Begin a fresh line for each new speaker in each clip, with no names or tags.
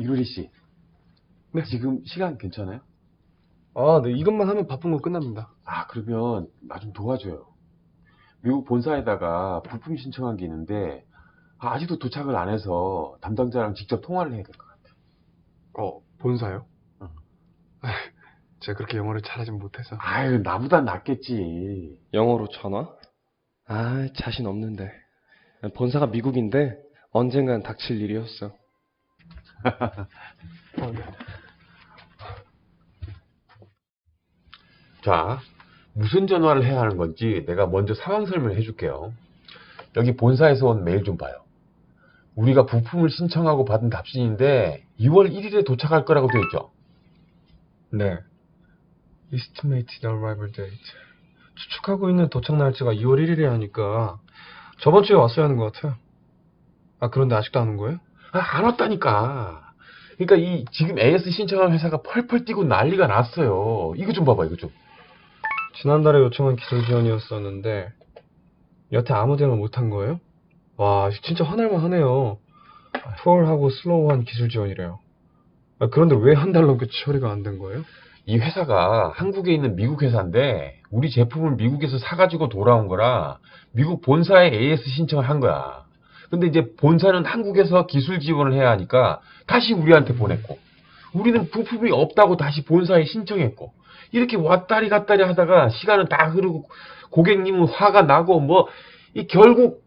유리 씨,
네.
지금 시간 괜찮아요?
아, 네. 이것만 하면 바쁜 거 끝납니다.
아, 그러면 나 좀 도와줘요. 미국 본사에다가 부품 신청한 게 있는데 아직도 도착을 안 해서 담당자랑 직접 통화를 해야 될 것 같아.
본사요?
응.
제가 그렇게 영어를 잘하진 못해서.
아유, 나보단 낫겠지.
영어로 전화? 아, 자신 없는데. 본사가 미국인데 언젠간 닥칠 일이었어.
네.
자, 무슨 전화를 해야 하는 건지 내가 먼저 상황 설명을 해줄게요. 여기 본사에서 온 메일 좀 봐요. 우리가 부품을 신청하고 받은 답신인데 2월 1일에 도착할 거라고 되어 있죠.
네. Estimated arrival date. 추측하고 있는 도착 날짜가 2월 1일이 하니까 저번 주에 왔어야 하는 것 같아요. 아, 그런데 아직도 안 온 거예요?
아, 안 왔다니까. 그러니까 이 지금 AS 신청한 회사가 펄펄 뛰고 난리가 났어요. 이거 좀 봐봐, 이거 좀.
지난달에 요청한 기술 지원이었었는데 여태 아무 대응을 못한 거예요? 와, 진짜 화날만 하네요. 푸얼하고 슬로우한 기술 지원이래요. 아, 그런데 왜 한 달 넘게 처리가 안 된 거예요?
이 회사가 한국에 있는 미국 회사인데 우리 제품을 미국에서 사가지고 돌아온 거라 미국 본사에 AS 신청을 한 거야. 근데 이제 본사는 한국에서 기술 지원을 해야 하니까 다시 우리한테 보냈고 우리는 부품이 없다고 다시 본사에 신청했고 이렇게 왔다리 갔다리 하다가 시간은 다 흐르고 고객님은 화가 나고 뭐 이 결국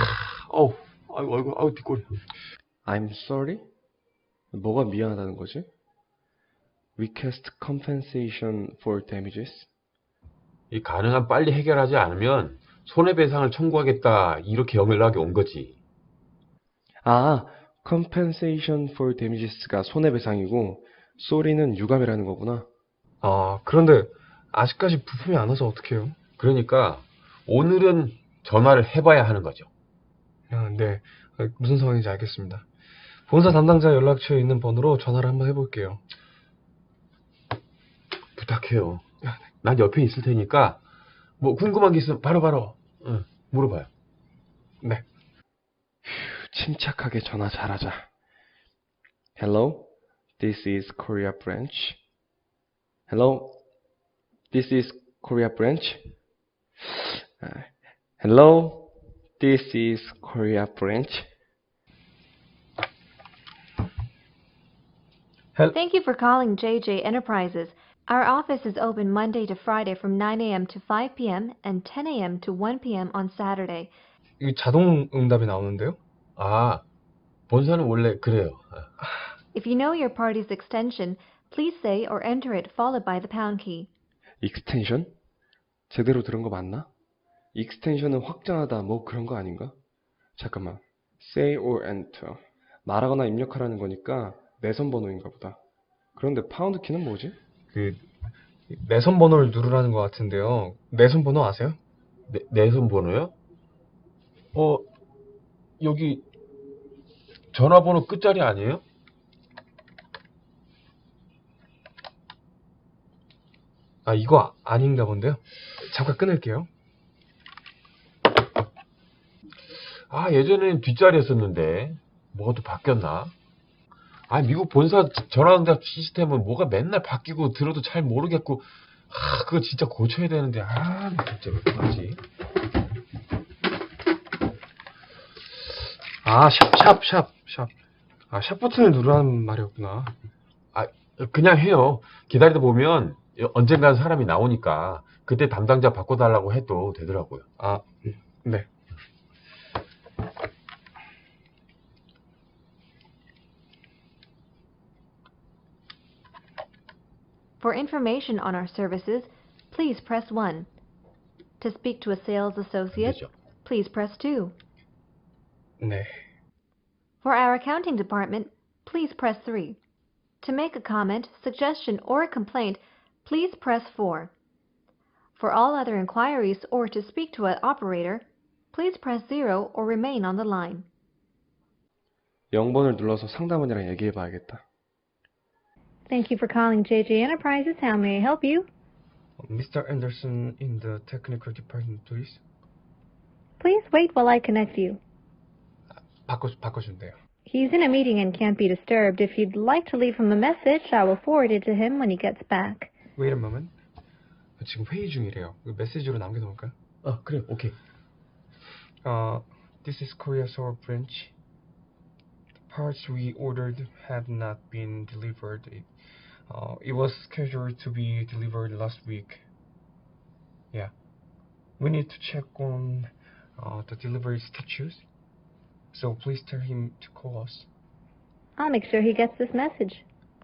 아이고 뒷골.
I'm sorry? 뭐가 미안하다는 거지? Request compensation for damages?
이 가능한 빨리 해결하지 않으면 손해배상을 청구하겠다 이렇게 연락이 온 거지.
아, compensation for damages가 손해배상이고 sorry는 유감이라는 거구나.
아, 그런데 아직까지 부품이 안 와서 어떡해요?
그러니까 오늘은 전화를 해봐야 하는 거죠.
아, 네. 무슨 상황인지 알겠습니다. 본사 담당자 연락처에 있는 번호로 전화를 한번 해볼게요.
부탁해요. 난 옆에 있을 테니까 뭐 궁금한 게 있으면 바로바로 물어봐요.
네.
침착하게 전화 잘하자. Hello, this is Korea branch. Hello, this is Korea branch. Hello, this is Korea branch.
Thank you for calling JJ Enterprises. Our office is open Monday to Friday from 9 a.m. to 5 p.m. and 10 a.m. to 1 p.m. on Saturday.
이 자동 응답이 나오는데요?
아, 본사는 원래 그래요.
If you know your party's extension, please say or enter it followed by the pound key.
익스텐션? 제대로 들은 거 맞나? 익스텐션은 확장하다 뭐 그런 거 아닌가? 잠깐만. Say or enter. 말하거나 입력하라는 거니까 내선 번호인가 보다. 그런데 파운드 키는 뭐지?
내선 번호를 누르라는 것 같은데요. 내선 번호 아세요?
내선 번호요? 여기 전화번호 끝자리 아니에요?
아, 이거 아닌가 본데요. 잠깐 끊을게요.
아, 예전에는 뒷자리였었는데 뭐가 또 바뀌었나? 아, 미국 본사 전화응답 시스템은 뭐가 맨날 바뀌고 들어도 잘 모르겠고 그거 진짜 고쳐야 되는데 진짜 왜 그러지?
아, 샵. 아, 샵 버튼을 누르라는 말이었구나.
아, 그냥 해요. 기다리다 보면 언젠간 사람이 나오니까 그때 담당자 바꿔달라고 해도 되더라고요.
아, 네.
For information on our services, please press 1. To speak to a sales associate,
되죠.
please press 2.
네.
For our accounting department, please press 3. To make a comment, suggestion, or a complaint, please press 4. For all other inquiries or to speak to an operator, please press 0 or remain on the line.
0번을 눌러서 상담원이랑 얘기해 봐야겠다.
Thank you for calling JJ Enterprises. How may I help you?
Mr. Anderson in the technical department, please.
Please wait while I connect you.
바꿔준대요.
He's in a meeting and can't be disturbed. If you'd like to leave him a message, I will forward it to him when he gets back.
Wait a moment. 지금 회의 중이래요. 이거 메시지로 남겨놓을까요?
그래, 오케이.
This is Korea Seoul branch. The parts we ordered have not been delivered. It was scheduled to be delivered last week. Yeah. We need to check on the delivery status. So please tell him to call us.
I'll make sure he gets this message.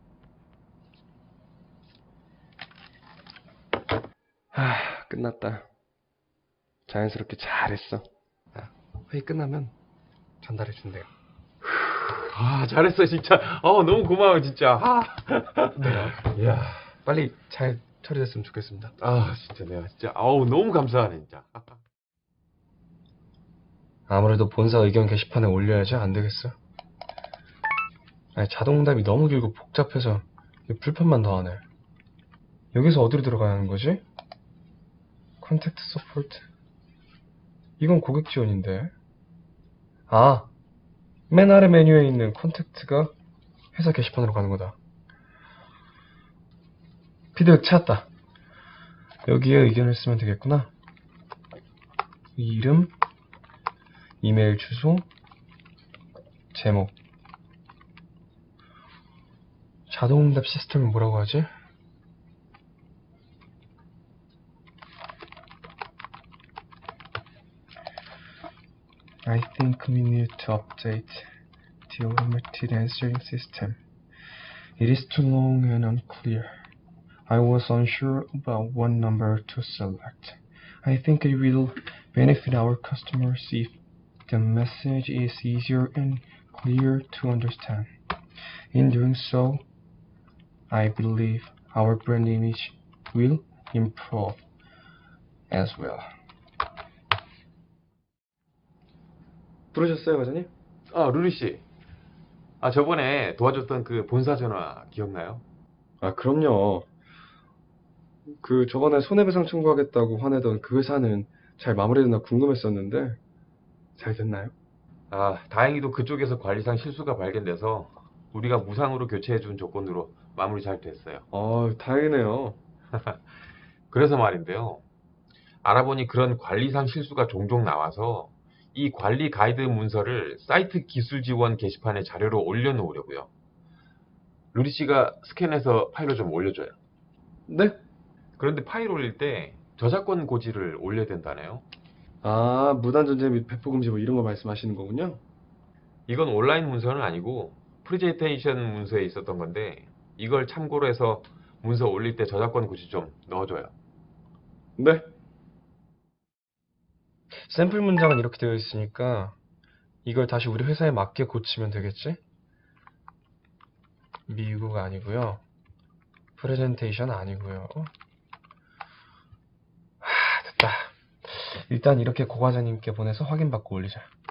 끝났다. 자연스럽게 잘했어.
회의 끝나면 전달해 준대요.
잘했어, 진짜. 너무 고마워, 진짜.
네.
이야.
빨리 잘 처리됐으면 좋겠습니다.
진짜 내가 진짜. 너무 감사하네, 진짜.
아무래도 본사 의견 게시판에 올려야지 안 되겠어. 아니, 자동응답이 너무 길고 복잡해서 불편만 더하네. 여기서 어디로 들어가야 하는 거지? 컨택트 서포트. 이건 고객 지원인데. 맨 아래 메뉴에 있는 컨택트가 회사 게시판으로 가는 거다. 피드백 찾았다. 여기에 의견을 쓰면 되겠구나. 이름, 이메일 주소, 제목. 자동응답 시스템은 뭐라고 하지? I think we need to update the automated answering system. It is too long and unclear. I was unsure about what number to select. I think it will benefit our customers if the message is easier and clear to understand. In doing so, I believe our brand image will improve as well. 부르셨어요, 과장님?
루리씨. 저번에 도와줬던 그 본사 전화 기억나요?
그럼요. 저번에 손해배상 청구하겠다고 화내던 그 회사는 잘 마무리됐나 궁금했었는데 잘 됐나요?
다행히도 그쪽에서 관리상 실수가 발견돼서 우리가 무상으로 교체해준 조건으로 마무리 잘 됐어요.
다행이네요.
그래서 말인데요. 알아보니 그런 관리상 실수가 종종 나와서 이 관리 가이드 문서를 사이트 기술 지원 게시판에 자료로 올려놓으려고요. 루리 씨가 스캔해서 파일로 좀 올려줘요.
네?
그런데 파일 올릴 때 저작권 고지를 올려야 된다네요.
무단전제 및 배포금지 뭐 이런 거 말씀하시는 거군요.
이건 온라인 문서는 아니고 프레젠테이션 문서에 있었던 건데 이걸 참고로 해서 문서 올릴 때 저작권 고지 좀 넣어줘요.
네. 샘플 문장은 이렇게 되어 있으니까 이걸 다시 우리 회사에 맞게 고치면 되겠지? 미국 아니고요. 프레젠테이션 아니고요. 됐다. 일단 이렇게 고 과장님께 보내서 확인받고 올리자.